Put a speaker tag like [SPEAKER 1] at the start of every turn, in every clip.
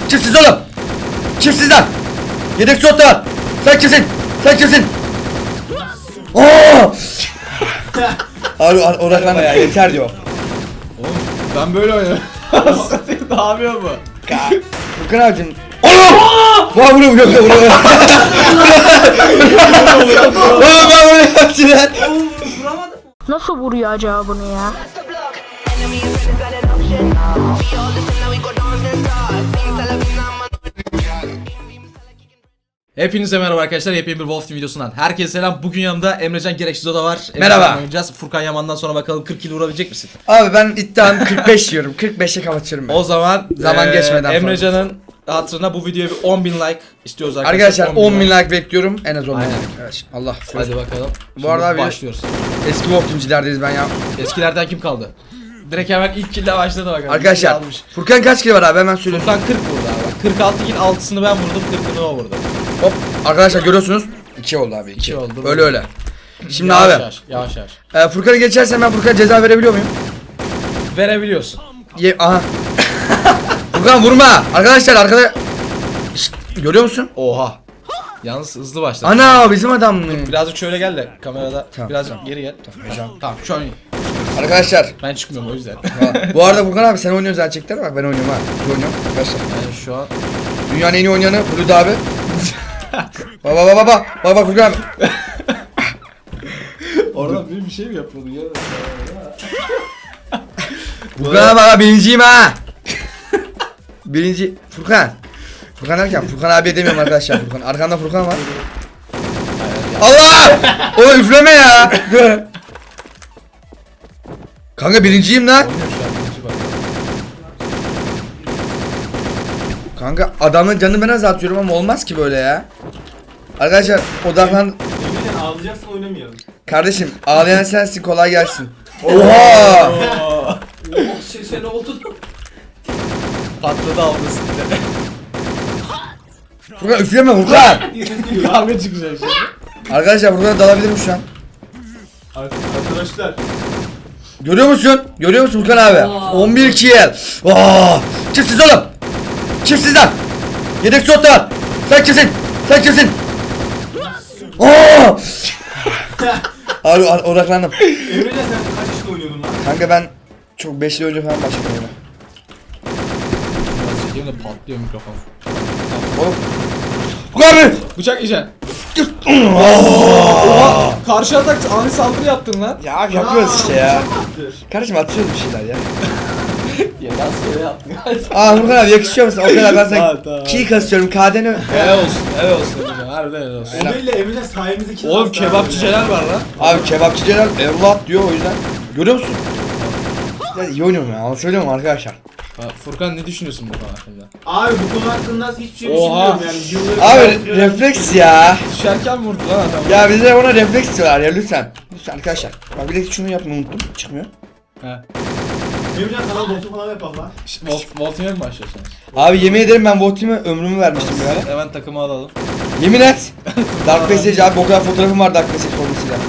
[SPEAKER 1] Çiftsiz oğlum. Çiftsizler. Yedek slot var. Sen kimsin? Sen kimsin? Ooo. Abi odaklanma ya, yeter diyor.
[SPEAKER 2] Oğlum ben böyle oynuyorum. Ne yapıyor bu?
[SPEAKER 1] Furkan abicim. Oğlum! Vay vuruyor vuruyor vuruyor. Oğlum ben vuruyor yaptılar.
[SPEAKER 3] Nasıl vuruyor acaba bunu ya?
[SPEAKER 2] Hepinize merhaba arkadaşlar. Yepyeni bir Wolf Team videosundan herkese selam. Bugün yanımda Emrecan Gereksiz Oda var.
[SPEAKER 1] Merhaba.
[SPEAKER 2] Oynayacağız. Furkan Yaman'dan sonra bakalım 40 kill vurabilecek misin?
[SPEAKER 1] Abi ben iddiam 45 diyorum. 45'e kapatıyorum ben.
[SPEAKER 2] O zaman
[SPEAKER 1] Zaman geçmeden
[SPEAKER 2] Emrecan'ın hatırına bu videoya bir 10.000 like istiyoruz
[SPEAKER 1] Arkadaşlar 10.000 like bekliyorum. En az 10.000
[SPEAKER 2] Aynen.
[SPEAKER 1] like. Evet. Allah.
[SPEAKER 2] Hadi bakalım.
[SPEAKER 1] Bu arada abi
[SPEAKER 2] başlıyoruz.
[SPEAKER 1] eski Wolf Team'cilerdeyiz ben ya.
[SPEAKER 2] Eskilerden kim kaldı? Direkt hemen ilk kill'le başladı bakalım.
[SPEAKER 1] Arkadaşlar
[SPEAKER 2] Almış.
[SPEAKER 1] Furkan kaç kill var abi hemen söylüyorum.
[SPEAKER 2] Furkan 40 vurdu abi. 46 kill 6'sını ben vurdum, 40'ını o vurdu.
[SPEAKER 1] Hop. Arkadaşlar görüyorsunuz. 2 oldu abi. 2
[SPEAKER 2] oldu.
[SPEAKER 1] Öyle öyle. Şimdi
[SPEAKER 2] Yavaş
[SPEAKER 1] abi.
[SPEAKER 2] Yavaş.
[SPEAKER 1] Furkan'ı geçersen ben Furkan'a ceza verebiliyor muyum?
[SPEAKER 2] Verebiliyorsun.
[SPEAKER 1] Aha. Furkan vurma. Arkadaşlar arkada. Şşt, görüyor musun?
[SPEAKER 2] Oha. Yalnız hızlı başladı.
[SPEAKER 1] Ana bizim adam mı?
[SPEAKER 2] Birazcık şöyle gel de kamerada
[SPEAKER 1] Tamam,
[SPEAKER 2] birazcık
[SPEAKER 1] tamam.
[SPEAKER 2] geri gel. Tamam şu an iyi.
[SPEAKER 1] Arkadaşlar.
[SPEAKER 2] Ben çıkmıyorum o yüzden.
[SPEAKER 1] Bu arada Furkan abi sen oynuyorsun gerçekten, bak ben oynuyorum ha. Biz oynuyorum arkadaşlar.
[SPEAKER 2] Yani şu an
[SPEAKER 1] Dünyanın en iyi oynayanı Hulusi abi. Baba Furkan abi.
[SPEAKER 2] orada bir şey mi yapıyordun ya?
[SPEAKER 1] Furkan abi birinciyim ha. Birinci Furkan. Furkan derken Furkan abi demiyorum arkadaşlar. Furkan arkanda Furkan var. Allah! O üfleme ya. Kanka birinciyim lan.
[SPEAKER 2] Oynuyor şu an birinci bak.
[SPEAKER 1] Kanka adamın canını ben azaltıyorum ama olmaz ki böyle ya. Arkadaşlar odaklan.
[SPEAKER 4] Emrecan ağlayacaksın, oynamayalım.
[SPEAKER 1] Kardeşim ağlayan sensin, kolay gelsin. Oha!
[SPEAKER 4] Sen oldu.
[SPEAKER 2] Patladı avlusunda.
[SPEAKER 1] Furkan üfleme Furkan.
[SPEAKER 2] Kavga çıkacak şimdi.
[SPEAKER 1] Arkadaşlar Furkan'a dalabilirim şu an.
[SPEAKER 4] Arkadaşlar.
[SPEAKER 1] Görüyor musun? Görüyor musun Furkan abi? 11 kill. Çiftsiz oğlum. Çiftsizler. Yedek slot var. Sen kimsin? Sen kimsin? Abi odaklandım.
[SPEAKER 4] Emrecan sen kaç yaşında oynuyordun lan?
[SPEAKER 1] Kanka ben çok 5 yıl önce falan başladım oyuna.
[SPEAKER 2] Biraz çekeyim de patlıyor mikrofon.
[SPEAKER 1] Oğlum. Furkan abi.
[SPEAKER 2] Bıçak yiyeceksin. Oha! Karşı atak ani saldırı yaptın lan.
[SPEAKER 1] Ya abi yapıyoruz işte ya. Kardeşim atıyoruz bir şeyler ya.
[SPEAKER 2] Ya rastgele yaptın.
[SPEAKER 1] Furkan abi yakışıyor musun? O kadar ben
[SPEAKER 2] Tamam.
[SPEAKER 1] sana ki kasıyorum KD'ni.
[SPEAKER 2] Helal olsun. Emrecan. Harbiden helal olsun.
[SPEAKER 1] Aynen.
[SPEAKER 4] Ömer'le Emrecan sayemizde kim
[SPEAKER 2] Oğlum
[SPEAKER 4] hasta
[SPEAKER 2] kebapçı
[SPEAKER 4] abi?
[SPEAKER 2] Celal var lan.
[SPEAKER 1] Abi kebapçı Celal evlat diyor o yüzden. Görüyor musun? Ya iyi oynuyorum ya. Anlatabiliyor muyum arkadaşlar?
[SPEAKER 2] Furkan ne düşünüyorsun bu konu hakkında?
[SPEAKER 4] Abi bu konu hakkında hiçbir şey
[SPEAKER 2] Oha.
[SPEAKER 4] düşünmüyorum yani.
[SPEAKER 1] Abi refleks ya.
[SPEAKER 2] Düşerken vurdu lan adam.
[SPEAKER 1] Ya bize ona refleks diyorlar ya lütfen. Lütfen arkadaşlar. Bak bir de şunu yapmayı unuttum. Çıkmıyor.
[SPEAKER 2] He.
[SPEAKER 4] Emrecan kanal botu falan yapalım lan.
[SPEAKER 2] Voltime mi başlıyorsunuz?
[SPEAKER 1] Abi yemin ederim ben Voltim'e ömrümü vermiştim ya.
[SPEAKER 2] Hemen takımı alalım.
[SPEAKER 1] Yemin et. Dark Passage abi, o kadar fotoğrafım var Dark Passage formasıyla.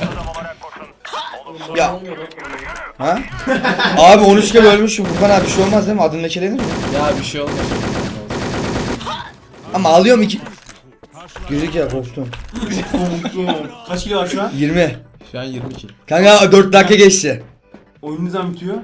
[SPEAKER 1] Ya. Ha? Abi 13 kere ölmüşüm Furkan abi, bir şey olmaz değil mi? Adın lekelenir mi?
[SPEAKER 2] Ya bir şey olmaz.
[SPEAKER 1] Ama ağlıyorum iki. Gözük ya, korktum.
[SPEAKER 4] Kaç kilo var şu an?
[SPEAKER 1] 20.
[SPEAKER 2] Şu an 20 kill.
[SPEAKER 1] Kanka 4 dakika geçti.
[SPEAKER 4] Oyun ne zaman bitiyor?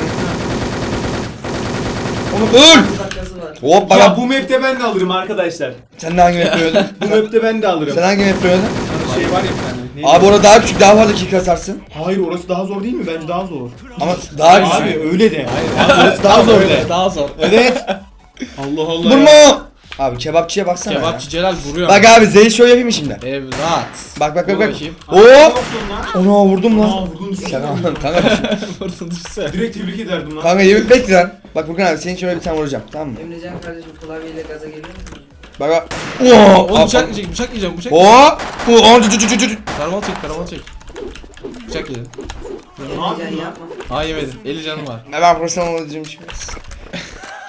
[SPEAKER 1] Onu öl. Hop
[SPEAKER 4] Ya
[SPEAKER 1] bana.
[SPEAKER 4] bu map'te ben de alırım arkadaşlar.
[SPEAKER 1] Sen de hangi map'te öldün?
[SPEAKER 4] Bu map'te ben de alırım.
[SPEAKER 1] Sen hangi map'te öldün?
[SPEAKER 4] Şey var ya bir tane. Neydi?
[SPEAKER 1] Abi orada daha küçük, daha fazla kill kasarsın.
[SPEAKER 4] Hayır, orası daha zor değil mi? Bence daha zor.
[SPEAKER 1] Ama daha küçük.
[SPEAKER 4] Abi öyle de.
[SPEAKER 2] Orası
[SPEAKER 1] daha zor
[SPEAKER 2] öyle. Daha zor.
[SPEAKER 1] Evet.
[SPEAKER 4] Allah Allah.
[SPEAKER 1] Vurma. Abi kebapçıya baksana
[SPEAKER 2] Kebapçı Celal vuruyor.
[SPEAKER 1] ya. Bak abi Zey show yapayım mı şimdi?
[SPEAKER 2] Evlat.
[SPEAKER 1] Bak
[SPEAKER 2] Vur
[SPEAKER 1] bak.
[SPEAKER 2] bakayım.
[SPEAKER 1] Hop. Ona vurdum lan.
[SPEAKER 4] Vurdun düşsene.
[SPEAKER 1] Kanka
[SPEAKER 2] Vurdun düşse.
[SPEAKER 4] Direkt tebrik ederdim lan.
[SPEAKER 1] kanka yemin bekle lan. Bak Furkan abi senin şöyle bir tane vuracağım, tamam mı?
[SPEAKER 5] Emrecan kardeşim klavyeyle gaza geliyor musun?
[SPEAKER 1] Bak bak.
[SPEAKER 2] Oğlum bıçak yiyecek, bıçak yiyeceğim, bıçak.
[SPEAKER 1] Oo!
[SPEAKER 2] Karamal çek, karamal çek. Bıçak yedin.
[SPEAKER 4] Ne yapıyorsun
[SPEAKER 5] Emrecan
[SPEAKER 4] lan?
[SPEAKER 5] yapma.
[SPEAKER 2] Ha yemedin. 50 canım var.
[SPEAKER 1] Ben profesyonel olacağım şimdi.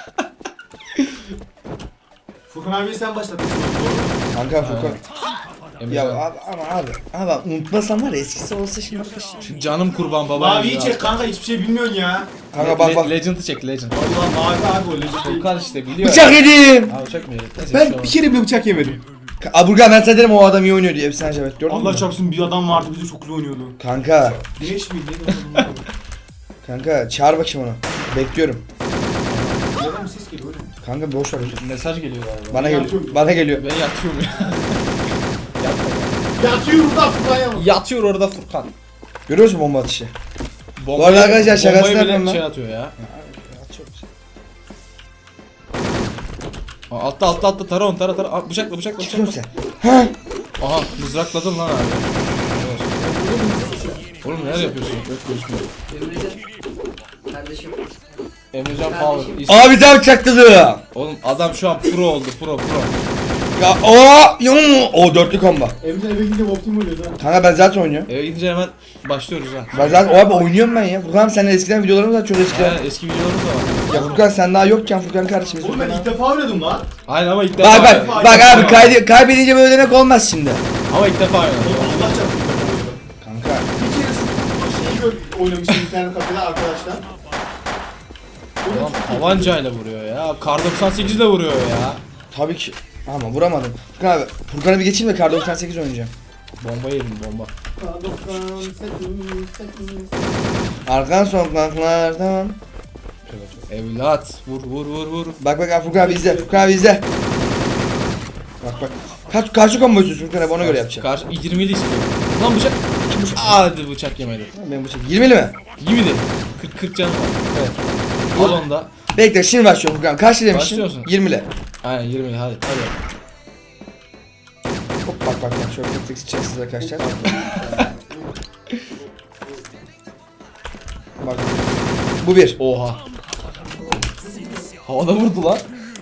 [SPEAKER 4] Furkan abi sen başlattın. Doğru mu?
[SPEAKER 1] Kanka Furkan.
[SPEAKER 2] Emrecan.
[SPEAKER 1] abi ama unutmasam var ya, eskisi olsa şimdi arkadaşlar.
[SPEAKER 2] Canım kurban baba.
[SPEAKER 4] Maviyi çek kanka, hiçbir şey bilmiyorsun ya.
[SPEAKER 1] Kanka bak.
[SPEAKER 2] Legend'ı çek Legend.
[SPEAKER 4] Allah mavi abi o Legend.
[SPEAKER 2] Furkan işte biliyor.
[SPEAKER 1] Bıçak yedim.
[SPEAKER 2] Ha bıçak mı yedin? Neyse,
[SPEAKER 4] Ben
[SPEAKER 2] şey
[SPEAKER 4] bir kere bile bıçak yemedim.
[SPEAKER 1] Aburga ben sana dedim o adam iyi oynuyor diye. Efsane Cevdet gördün mü?
[SPEAKER 4] Allah çarpsın, bir adam vardı bize çok güzel oynuyordu.
[SPEAKER 1] Kanka.
[SPEAKER 4] Güneş miydi? Neydi?
[SPEAKER 1] Kanka çağır bakayım onu. Bekliyorum.
[SPEAKER 4] Yerden bir ses geliyor öyle.
[SPEAKER 1] Kanka boş ver.
[SPEAKER 2] olmaz. Mesaj geliyor galiba.
[SPEAKER 1] Bana
[SPEAKER 4] Yatıyorum.
[SPEAKER 1] geliyor. Bana geliyor.
[SPEAKER 2] Ben yatıyorum ya.
[SPEAKER 4] Yatıyor burada Furkan'a mı?
[SPEAKER 2] Yatıyor orada Furkan.
[SPEAKER 1] Görüyor musun bomba atışı?
[SPEAKER 2] Bombayı-
[SPEAKER 1] Bu arada arkadaşlar şakasını
[SPEAKER 2] bombayı bile
[SPEAKER 1] yapıyorum
[SPEAKER 2] şey
[SPEAKER 1] lan.
[SPEAKER 2] atıyor ya. Aa, altta tara onu tara. Aa, bıçakla.
[SPEAKER 1] Çıkıyorum sen. Ha?
[SPEAKER 2] Aha mızrakladın lan abi. Oğlum neler yapıyorsun? Yok gözükmüyor.
[SPEAKER 5] Emrecan. Kardeşim.
[SPEAKER 2] Emrecan
[SPEAKER 5] Kardeşim.
[SPEAKER 2] Power.
[SPEAKER 1] Abi sen bıçakladı.
[SPEAKER 2] Oğlum adam şu an pro oldu pro.
[SPEAKER 1] Ya o dörtlü komba.
[SPEAKER 4] Emrecan eve gidince Optim oluyor da.
[SPEAKER 1] Kanka ben zaten oynuyorum.
[SPEAKER 2] Eve gidince hemen başlıyoruz ha.
[SPEAKER 1] Ben zaten o abi oynuyorum ben ya. Furkan senin eskiden videolarımız var çok eskiden.
[SPEAKER 2] Yani eski videolarımız da var.
[SPEAKER 1] Ya Furkan sen daha yokken Furkan kardeşimiz.
[SPEAKER 4] Oğlum ben
[SPEAKER 1] Furkan
[SPEAKER 4] ilk defa oynadım lan.
[SPEAKER 2] Aynen ama ilk defa.
[SPEAKER 1] bak abi kaybedince böyle demek olmaz şimdi.
[SPEAKER 2] Ama ilk defa oynadım.
[SPEAKER 4] Oğlum Allah çarpsın ilk defa oynadım.
[SPEAKER 1] Kanka.
[SPEAKER 4] Bir kere şu şeyi oynamıştım internet kafede arkadaşlar.
[SPEAKER 2] Adam tabancayla vuruyor ya. Kar 98 ile vuruyor ya.
[SPEAKER 1] Tabii ki. Ama vuramadım. Furkan abi Furkan'a bir geçeyim de Kar 98 oynayacağım.
[SPEAKER 2] Bomba yedim bomba.
[SPEAKER 1] Arkan sokaklardan.
[SPEAKER 2] Evlat vur.
[SPEAKER 1] Bak abi Furkan abi izle. Furkan abi izle. Bak. Karşı combo istiyorsun Furkan abi ona göre yapacağım.
[SPEAKER 2] Karşı 20'li istiyor. Lan bıçak. Hadi bıçak yemedi.
[SPEAKER 1] Ben bıçak 20'li mi?
[SPEAKER 2] 20'li. 40 canım var. Evet. Al onu da.
[SPEAKER 1] Bekle şimdi başlıyorum Furkan. Kaç demiştin?
[SPEAKER 2] Başlıyorsun.
[SPEAKER 1] 20'li.
[SPEAKER 2] Aynen 20'li hadi.
[SPEAKER 1] Hop bak şöyle tek tek içeceksiniz arkadaşlar. Bak. Bu bir.
[SPEAKER 2] Oha. Havada vurdu lan.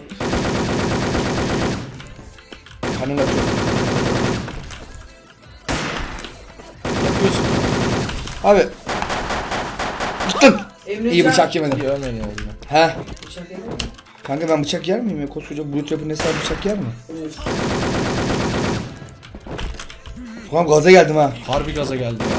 [SPEAKER 1] Kanın atıyor.
[SPEAKER 2] Yapıyorsun.
[SPEAKER 1] Abi. Gittim.
[SPEAKER 5] Emrecan.
[SPEAKER 1] İyi bıçak yemedim.
[SPEAKER 2] İyi ölmeyin oldu.
[SPEAKER 1] He.
[SPEAKER 5] Bıçak yedin mi?
[SPEAKER 1] Kanka ben bıçak yer miyim ya? Koskoca Blue Trap'ın hesabı bıçak yer mi? Furkan gaza geldim ha.
[SPEAKER 2] Harbi gaza geldi ya.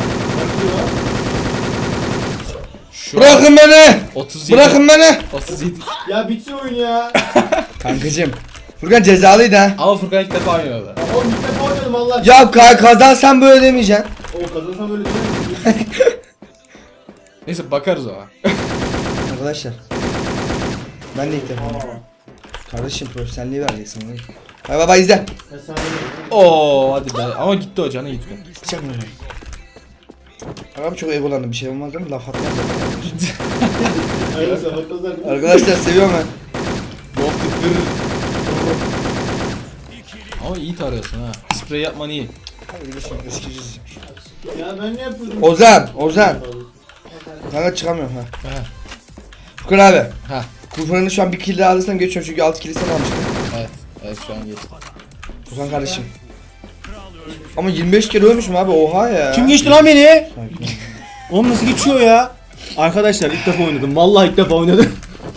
[SPEAKER 2] Şu
[SPEAKER 1] Bırakın beni!
[SPEAKER 2] 37.
[SPEAKER 1] Bırakın beni!
[SPEAKER 2] 37.
[SPEAKER 4] Ya bitsin oyun ya.
[SPEAKER 1] Kankacım. Furkan cezalıydı ha.
[SPEAKER 2] Ama Furkan ilk defa oynuyordu.
[SPEAKER 4] Oğlum ilk defa oynadım Allah aşkına.
[SPEAKER 1] Ya kazansan böyle demeyeceksin.
[SPEAKER 4] O kazansam öyle değil.
[SPEAKER 2] Neyse bakarız ona.
[SPEAKER 1] Arkadaşlar. Ben de ilk defa oynuyorum. Kardeşim profesyonelliği vereceksin. Bay baba izle.
[SPEAKER 2] Oo hadi be. Ama gitti o canı gitti.
[SPEAKER 1] Bıçak mı? Abi çok egolandım, bir şey olmaz değil mi? Laf atmaz.
[SPEAKER 4] Hayırlısı hatırlar.
[SPEAKER 1] Arkadaşlar seviyorum ben.
[SPEAKER 2] Yok tıkır. Ama iyi tarıyorsun ha. Sprey yapman iyi.
[SPEAKER 1] Hadi geçelim eskiciyiz.
[SPEAKER 4] Ya ben ne yapıyordum?
[SPEAKER 1] Ozan. Kanka çıkamıyorum ha.
[SPEAKER 2] He.
[SPEAKER 1] Furkan abi.
[SPEAKER 2] Ha.
[SPEAKER 1] Kurfanını şu an bir kill daha alırsam geçiyorum çünkü 6 kill sen almıştın.
[SPEAKER 2] Evet şu an geçti.
[SPEAKER 1] Furkan kardeşim. Ama 25 kere ölmüşüm abi, oha ya.
[SPEAKER 4] Kim geçti lan beni?
[SPEAKER 1] Sakin ol.
[SPEAKER 4] Oğlum nasıl geçiyor ya? Arkadaşlar ilk defa oynadım. Vallahi ilk defa oynadım.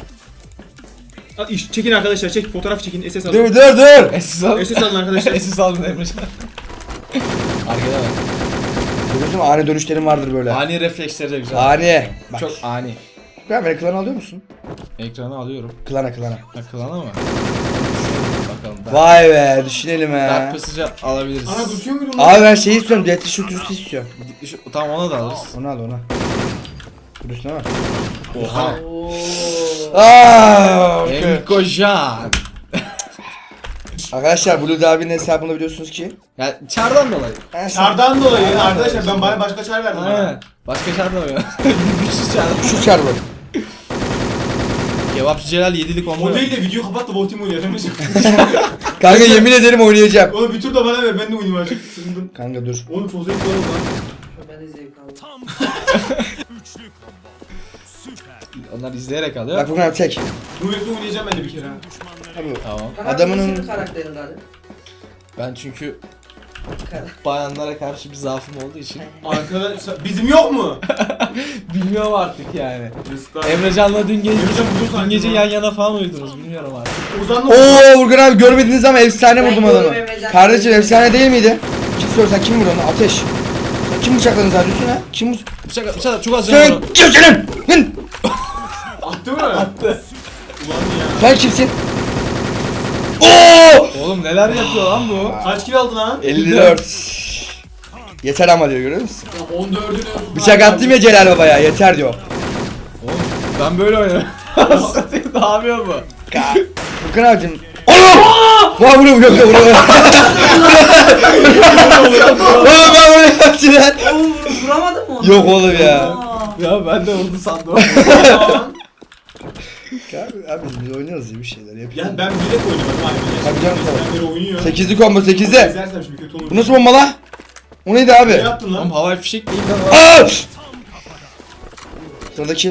[SPEAKER 4] Çekin arkadaşlar, çek fotoğraf çekin, SS alın.
[SPEAKER 1] Dur.
[SPEAKER 2] Esis al.
[SPEAKER 4] SS alın arkadaşlar.
[SPEAKER 2] Esis aldın Emrecan. Arkada bak.
[SPEAKER 1] Görüyorsun ani dönüşlerim vardır böyle.
[SPEAKER 2] Ani refleksleri de güzel.
[SPEAKER 1] Ani. Bak.
[SPEAKER 2] Çok ani.
[SPEAKER 1] Furkan beni klan alıyor musun?
[SPEAKER 2] Ekranı alıyorum.
[SPEAKER 1] Klana.
[SPEAKER 2] Ha kılana mı? Bakalım.
[SPEAKER 1] Vay be, düşünelim
[SPEAKER 2] Dark
[SPEAKER 1] he.
[SPEAKER 2] Passage'ı alabiliriz.
[SPEAKER 4] Ana tutuyor muydun lan?
[SPEAKER 1] Abi ben şeyi istiyorum, Death Shooter'ı istiyorum.
[SPEAKER 2] Tamam ona da alırız.
[SPEAKER 1] Onu al. Dur üstüne var.
[SPEAKER 2] Oha.
[SPEAKER 5] Oo.
[SPEAKER 1] Aaa.
[SPEAKER 2] Emkojan.
[SPEAKER 1] Arkadaşlar Blue abinin hesabını biliyorsunuz ki.
[SPEAKER 2] Ya çardan dolayı.
[SPEAKER 4] Çardan dolayı arkadaşlar ben bana başka çar verdim.
[SPEAKER 2] Aynen. Başka çardan oynuyor. Güçsüz çardan.
[SPEAKER 1] Şu çar bu.
[SPEAKER 2] Kebapçı Celal 7'lik
[SPEAKER 4] O
[SPEAKER 2] oldu.
[SPEAKER 4] değil de video kapat da Votim oynayalım.
[SPEAKER 1] Kanka yemin ederim oynayacağım.
[SPEAKER 4] Oğlum bir tur da bana ver, ben de oynayayım artık. Sızındım.
[SPEAKER 1] Kanka dur.
[SPEAKER 4] Oğlum çok zevkli oldu lan.
[SPEAKER 5] Ben de zevk aldım.
[SPEAKER 2] Onlar izleyerek alıyor.
[SPEAKER 1] Bak Furkan abi tek.
[SPEAKER 4] Nuyet'le oynayacağım ben de bir kere ha.
[SPEAKER 2] Tamam.
[SPEAKER 1] Adamının-
[SPEAKER 5] Senin karakterin abi.
[SPEAKER 2] Ben çünkü bayanlara karşı bir zaafım olduğu için
[SPEAKER 4] Arkadaşlar bizim yok mu?
[SPEAKER 2] bilmiyorum artık yani.
[SPEAKER 4] Rızklar.
[SPEAKER 2] Emrecan'la dün gece
[SPEAKER 4] Emrecan budur sanki
[SPEAKER 2] dün gece
[SPEAKER 4] lan.
[SPEAKER 2] yan yana falan uyudunuz bilmiyorum artık.
[SPEAKER 4] Ozan'la
[SPEAKER 1] Oo Furkan abi görmediniz ama efsane
[SPEAKER 5] Ben
[SPEAKER 1] vurdum
[SPEAKER 5] gördüm
[SPEAKER 1] adamı.
[SPEAKER 5] Emrecan.
[SPEAKER 1] Kardeşim efsane değil miydi? Kim soruyor sen kim vuruyorsun? Ateş. Sen kim bıçakladın zaten üstüne? Kim
[SPEAKER 2] Bıçak çok az
[SPEAKER 1] Sen
[SPEAKER 2] canım.
[SPEAKER 1] kimsin? Hın!
[SPEAKER 4] Attı mı? Attı. Ulan ya.
[SPEAKER 1] Sen kimsin? Oo!
[SPEAKER 2] Oğlum neler yapıyor lan bu?
[SPEAKER 4] Kaç kill aldın lan?
[SPEAKER 1] 54. Yeter ama diyor, görüyor musun?
[SPEAKER 4] 14'ünü.
[SPEAKER 1] Bıçak attım ya Celal Baba'ya, yeter diyor.
[SPEAKER 2] Oğlum ben böyle oynarım. Ne yapıyor bu?
[SPEAKER 1] Furkan abicim. Oğlum! Vay vuruyor. Oğlum ben bunu yaptım lan.
[SPEAKER 5] Oğlum vuramadın mı onu?
[SPEAKER 1] Yok oğlum ya.
[SPEAKER 5] Aa.
[SPEAKER 2] Ya ben de vurdu sandım.
[SPEAKER 1] Abi biz oynuyoruz ya bir şeyler yapıyoruz.
[SPEAKER 4] Ya ben direkt oynuyorum abi.
[SPEAKER 1] Tabii canım, tabii.
[SPEAKER 4] Ben beri oynuyor.
[SPEAKER 1] 8'li combo 8'de.
[SPEAKER 4] İzlersem şimdi kötü olur.
[SPEAKER 1] Bu nasıl bomba la? O neydi abi?
[SPEAKER 4] Ne yaptın lan?
[SPEAKER 2] Oğlum havai fişek değil lan.
[SPEAKER 1] Aa! Sıradaki.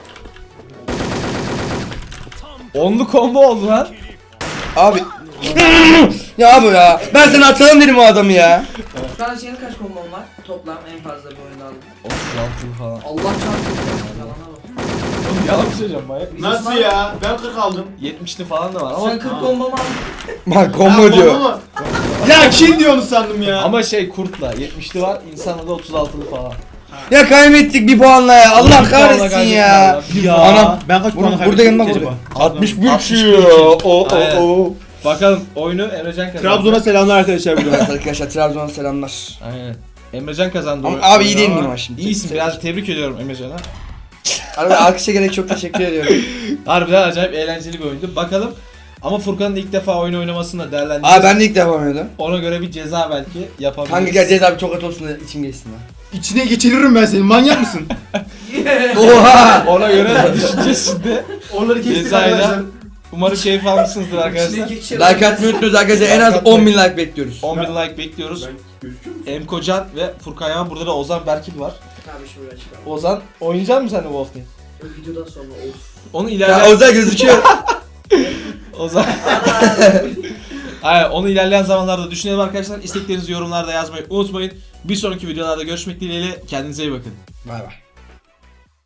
[SPEAKER 2] Onlu combo oldu lan.
[SPEAKER 1] Abi. Ya abi ya. Ben sana atalım dedim o adamı ya.
[SPEAKER 5] Şu an senin kaç kombon var? Toplam en fazla bir oyunda aldın.
[SPEAKER 2] 36 falan.
[SPEAKER 5] Allah çarpsın. Yalana bak.
[SPEAKER 2] Oğlum yalan bir şey söyleyeceğim manyak.
[SPEAKER 4] Nasıl ya? Ben 40 aldım.
[SPEAKER 2] 70'li falan da var ama
[SPEAKER 5] Sen 40 kombo mu aldın?
[SPEAKER 1] Bak combo diyor.
[SPEAKER 4] Ama... ya kim diyor onu sandım ya.
[SPEAKER 2] ama şey kurtla 70'li var, insanda da 36'lı falan.
[SPEAKER 1] Ya kaybettik bir puanla ya. Allah
[SPEAKER 2] Bir puanla
[SPEAKER 1] kahretsin
[SPEAKER 2] kaybettik
[SPEAKER 1] ya.
[SPEAKER 2] Allah. Bir
[SPEAKER 4] Ya.
[SPEAKER 1] Anam.
[SPEAKER 4] Ben kaç puan
[SPEAKER 1] Burada yanına
[SPEAKER 4] acaba?
[SPEAKER 1] burada. 61
[SPEAKER 2] 61
[SPEAKER 1] kişi. O
[SPEAKER 2] Aynen. Bakalım oyunu Emrecan kazandı.
[SPEAKER 4] Trabzon'a selamlar arkadaşlar buradan.
[SPEAKER 1] Evet arkadaşlar Trabzon'a selamlar.
[SPEAKER 2] Aynen. Emrecan kazandı.
[SPEAKER 1] Ama
[SPEAKER 2] oyunu.
[SPEAKER 1] abi iyi değil miyim ama şimdi?
[SPEAKER 2] İyisin, biraz tebrik ediyorum Emrecan'a.
[SPEAKER 1] Arada alkışa gerek çok teşekkür ediyorum.
[SPEAKER 2] Harbiden acayip eğlenceli bir oyundu. Bakalım. Ama Furkan'ın ilk defa oyun oynamasını da değerlendireceğiz.
[SPEAKER 1] Abi ben de ilk defa oynadım.
[SPEAKER 2] Ona göre bir ceza belki yapabiliriz.
[SPEAKER 1] Hangi geleceğiz abi çok kötü olsun da içim geçsin lan.
[SPEAKER 4] İçine geçiririm ben senin. Manyak mısın?
[SPEAKER 1] Oha!
[SPEAKER 2] Ona göre düşüneceğiz şimdi.
[SPEAKER 4] Onları kestik
[SPEAKER 2] Cezayla.
[SPEAKER 4] arkadaşlar.
[SPEAKER 2] Umarım keyif almışsınızdır arkadaşlar.
[SPEAKER 1] Like atmayı unutmuyoruz arkadaşlar, en az 10.000 like bekliyoruz.
[SPEAKER 2] 10.000 like bekliyoruz.
[SPEAKER 4] Ben gözüküyor muyum?
[SPEAKER 2] Emkocan ve Furkan Yaman, burada da Ozan Berkil var.
[SPEAKER 5] Abi şuraya çıkalım.
[SPEAKER 2] Ozan oynayacak mısın sen de Wolf Team?
[SPEAKER 5] Videodan sonra of.
[SPEAKER 2] Onu
[SPEAKER 1] Ya
[SPEAKER 2] ilerleyen...
[SPEAKER 1] Ozan gözüküyor.
[SPEAKER 2] Ozan. Aynen, onu ilerleyen zamanlarda düşünelim arkadaşlar. İsteklerinizi yorumlarda yazmayı unutmayın. Bir sonraki videolarda görüşmek dileğiyle. Kendinize iyi bakın.
[SPEAKER 1] Bay bay.